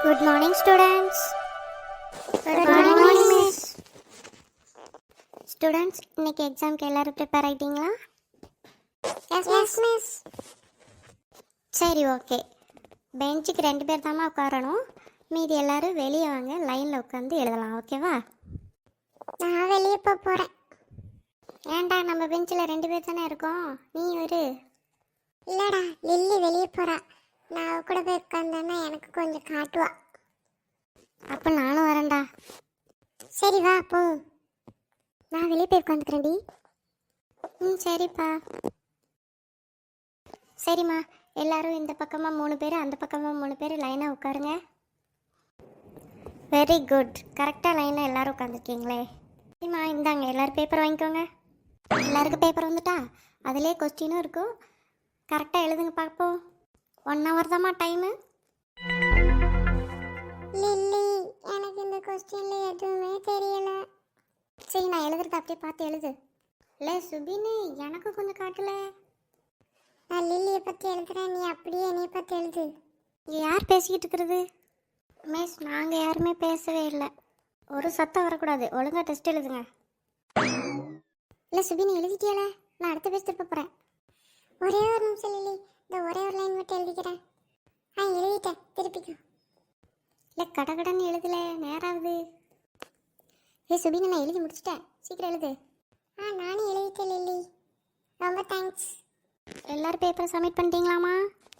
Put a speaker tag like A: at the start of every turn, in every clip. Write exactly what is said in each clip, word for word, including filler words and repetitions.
A: Good morning, students. Good morning, miss. Students, இன்னைக்கு எக்ஸாம்க்கு எல்லாரும் ப்ரிப்பேர் ஆயிட்டீங்களா? Yes miss. சரி, ஓகே. பெஞ்சுக்கு ரெண்டு பேர் தாம்மா உட்காரணும். மீதி எல்லாரும் வெளியே வாங்க, லைனில் உட்காந்து எழுதலாம், ஓகேவா? நான் வெளியே போக போகிறேன். ஏன்டா, நம்ம பெஞ்சில் ரெண்டு பேர் தானே இருக்கோம், நீ ஒரு இல்லைடா, லில்லி வெளியே போகிறா. நான் கூட போய் உட்காந்தேன்னா எனக்கு கொஞ்சம் காட்டுவா. அப்போ நானும் வரேன்டா. சரி வா போ. நான் வெளியே போய் உட்காந்துக்கிறேன்டி. ம் சரிப்பா. சரிம்மா, எல்லாரும் இந்த பக்கமாக மூணு பேர், அந்த பக்கமாக மூணு பேர் லைனாக உட்காருங்க. Very good. கரெக்டாக லைனாக எல்லோரும் உட்காந்துருக்கீங்களே. சரிம்மா, இந்தாங்க எல்லோரும் பேப்பர் வாங்கிக்கோங்க. எல்லாருக்கும் பேப்பர் வந்துட்டா? அதிலே கொஸ்டினும் இருக்கும். கரெக்டாக எழுதுங்க பார்ப்போம். ஒன் ஹவர் தாம்மா டைமு. லில்லி, எனக்கு இந்த கொஸ்டினில் எதுவுமே தெரியல. சரி, நான் எழுதுறது அப்படியே பார்த்து எழுது. இல்லை சுபின்னு எனக்கு கொஞ்சம் காட்டல. நான் லில்லியை பற்றி எழுதுறேன், நீ அப்படியே என்னையை பற்றி எழுது. இங்கே யார் பேசிக்கிட்டு இருக்கிறது? மிஸ், நாங்கள் யாருமே பேசவே இல்லை. ஒரு சத்தம் வரக்கூடாது. ஒழுங்காக டெஸ்ட் எழுதுங்க. இல்லை சுபின், எழுதிட்டியால? நான் அடுத்த பேஜ் திருப்ப போகிறேன். ஒரே ஒரு நிமிஷம் லில்லி, இந்த ஒரே ஒரு லைன் மட்டும் எழுதிக்கிறேன். ஆ எழுதிட்டேன், திருப்பிக்கோ. இல்லை கடகடன்னு எழுதல, நேராகுது. ஏ சுபின், நான் எழுதி முடிச்சிட்டேன், சீக்கிரம் எழுது. ஆ நானும் எழுதிட்டேன் லில்லி, ரொம்ப தேங்க்ஸ். எல்லாரும் பேப்பரை சப்மிட் பண்ணிட்டீங்களாமா?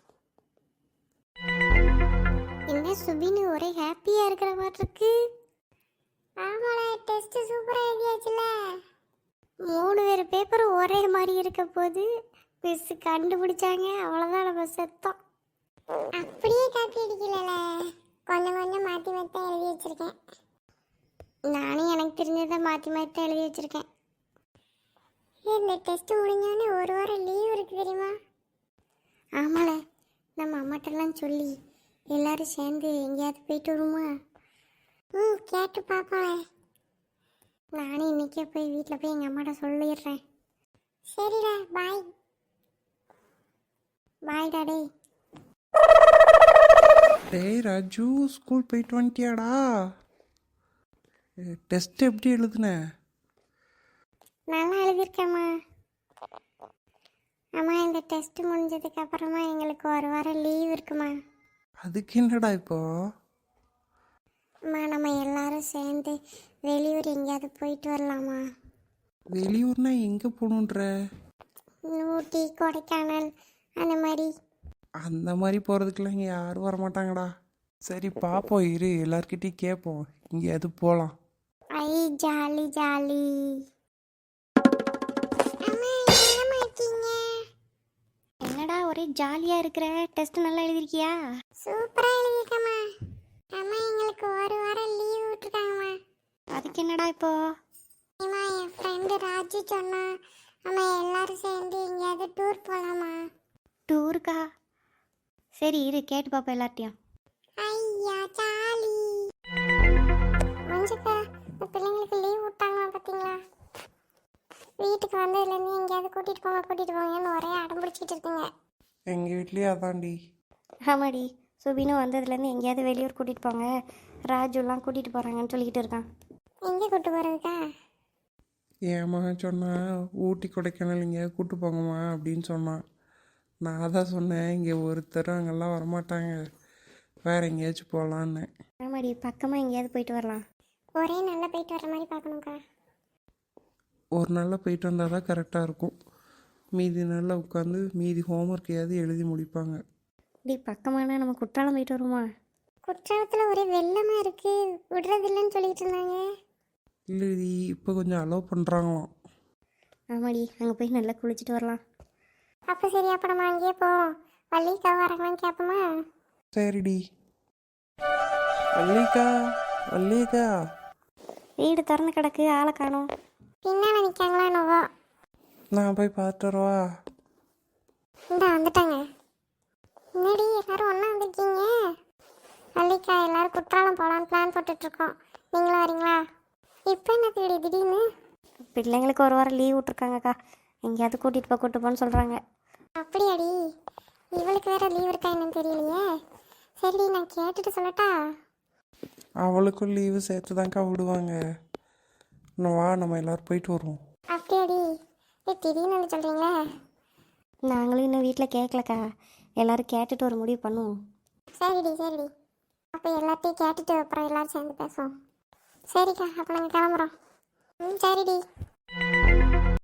A: என்ன சுபின் ஒரே ஹாப்பியாக இருக்கிற மாதிரி இருக்கு. ஆமாடா, டெஸ்ட் சூப்பராக எழுதியாச்சுல. மூணு பேர் பேப்பரும் ஒரே மாதிரி இருக்க போது மிஸ் கண்டுபிடிச்சாங்க, அவ்வளோதான் நம்ம செத்தோம். அப்படியே காப்பி அடிக்கல, கொஞ்சம் கொஞ்சம் மாற்றி மாற்றி தான் எழுதி வச்சுருக்கேன். நானும் எனக்கு தெரிஞ்சதை மாற்றி மாற்றி தான் எழுதி வச்சுருக்கேன். இந்த டெஸ்ட் முடிஞ்சோடனே ஒரு வாரம் லீவ் இருக்குது தெரியுமா? ஆமால, நம்ம அம்மாட்டெல்லாம் சொல்லி எல்லோரும் சேர்ந்து எங்கேயாவது போயிட்டு வருமா? ம் கேட்டு பார்ப்பேன். நானும் இன்றைக்கே போய் வீட்டில் போய் எங்கள் அம்மாட்ட சொல்லிடுறேன். சரிடா, பாய். பாய் டாடே.
B: டேய் ராஜு, ஸ்கூல் போயிட்டு வந்துட்டியாடா? டெஸ்ட் எப்படி எழுதுன?
A: நல்லா எழுதியிருக்கேம்மா. அம்மா, இந்த டெஸ்ட் முடிஞ்சதுக்கு அப்புறமா எங்களுக்கு ஒரு வாரம் லீவ் இருக்குமா?
B: அதுக்கு என்னடா இப்போ?
A: அம்மா, நம்ம எல்லாரும் சேர்ந்து வெளியூர் எங்கேயாவது போயிட்டு வரலாமா?
B: வெளியூர்னா எங்கே போகணுன்ற?
A: ஊட்டி, கொடைக்கானல் அந்த மாதிரி.
B: அந்த மாதிரி போகிறதுக்கெல்லாம் இங்கே யாரும் வரமாட்டாங்கடா. சரி பார்ப்போம், இரு எல்லார்கிட்டையும் கேட்போம், எங்கேயாவது போகலாம்.
A: ஐ ஜாலி ஜாலி. என்னடா ஒரே ஜாலியாக இருக்கிற? டெஸ்ட் நல்லா எழுதிருக்கியா? சூப்பராக எழுதிருக்கம்மா. அம்மா, எங்களுக்கு ஒரு வாரம் லீவ் விட்டுருக்காங்கம்மா. அதுக்கு என்னடா இப்போ? அம்மா, என் ஃப்ரெண்டு ராஜு சொன்னா அம்மா எல்லாரும் சேர்ந்து எங்கேயாவது டூர் போகலாமா? டூருக்கா? சரி இரு கேட்டு பாப்பா எல்லார்ட்டையும். ஐயா ஜாலி. மஞ்சுக்கா, இந்த பிள்ளைங்களுக்கு லீவ் விட்டாங்களா பார்த்தீங்களா? வீட்டுக்கு வந்ததுலேருந்து எங்கேயாவது கூட்டிகிட்டு போங்க கூட்டிகிட்டு போங்கன்னு ஒரே அடம் பிடிச்சிட்டு இருக்குங்க.
B: எங்கள் வீட்லேயே அதான்டி.
A: ஆமாடி, சுபினும் வந்ததுலேருந்து எங்கேயாவது வெளியூர் கூட்டிகிட்டு போங்க, ராஜுலாம் கூட்டிகிட்டு போகிறாங்கன்னு சொல்லிக்கிட்டு இருக்கான். எங்கே கூப்பிட்டு போகிறதுக்கா?
B: என் மகன் சொன்னான், ஊட்டி கொடைக்கானல் எங்கேயாவது கூப்பிட்டு போங்கம்மா அப்படின்னு சொன்னான். நான் தான் சொன்னேன், இங்கே ஒருத்தரும் அங்கெல்லாம் வரமாட்டாங்க, வேறு எங்கேயாச்சும் போகலான்னு.
A: ஆமாடி, பக்கமாக எங்கேயாவது போயிட்டு வரலாம். ஒரே நல்லா போயிட்டு வர மாதிரி பார்க்கணுக்கா.
B: ஒரு நாளில் போயிட்டு வந்தால் தான் கரெக்டாக இருக்கும். மீதி நாளில் உட்காந்து மீதி ஹோம்ஒர்க்கையாவது எழுதி முடிப்பாங்க.
A: டி, பக்கமானா நம்ம குற்றாலம் போயிட்டு வருமா? குற்றாலத்தில் ஒரே வெள்ளமாக இருக்குது, விடுறதில்லைன்னு சொல்லிட்டு இருந்தாங்க.
B: இல்லைடி, இப்போ கொஞ்சம் அலோவ் பண்ணுறாங்களாம்.
A: ஆமாடி, அங்கே போய் நல்லா குளிச்சுட்டு வரலாம். அப்போ சரி, அப்போ நம்ம அங்கேயே போவோம். வள்ளிக்கா வரங்களான்னு கேட்போமா?
B: சரிடி. வள்ளிக்கா, வள்ளிக்கா.
A: வீடு திறந்து கிடக்கு, ஆளை காணும். பின்னால் நிற்காங்களா என்னவோ?
B: நான் போய் பார்த்துட்டு வரவா?
A: இந்த வந்துட்டாங்க. முன்னாடி எல்லாரும் ஒன்றா வந்திருக்கீங்க. வள்ளிக்கா, எல்லாரும் குற்றாலம் போகலான்னு பிளான் போட்டுட்ருக்கோம். நீங்களும் வரீங்களா? இப்போ என்ன தேடி திடீர்னு? பிள்ளைங்களுக்கு ஒரு வாரம் லீவ் விட்ருக்காங்கக்கா, எங்கேயாவது கூட்டிகிட்டு போ கூட்டு போன்னு சொல்கிறாங்க. அப்படியாடி? இவளுக்கு வேறு லீவ் இருக்கா என்னன்னு தெரியலையே. சரிடி நான் கேட்டுட்டு சொல்லட்டா?
B: அவளுக்கும் லீவு சேர்த்து தான்க்கா விடுவாங்க. இன்னும் வா, நம்ம எல்லோரும் போயிட்டு வருவோம்.
A: அப்படியாடி? ஏ திடீர்னு வந்து சொல்கிறீங்களே.
C: நாங்களும் இன்னும் வீட்டில் கேட்கலக்கா, எல்லோரும் கேட்டுட்டு ஒரு முடிவு பண்ணுவோம்.
A: சரிடி சரிடி, அப்போ எல்லாத்தையும் கேட்டுட்டு அப்புறம் எல்லோரும் சேர்ந்து பேசுவோம். சரிக்கா, அப்போ நாங்கள் கிளம்புறோம். ம் சரிடி.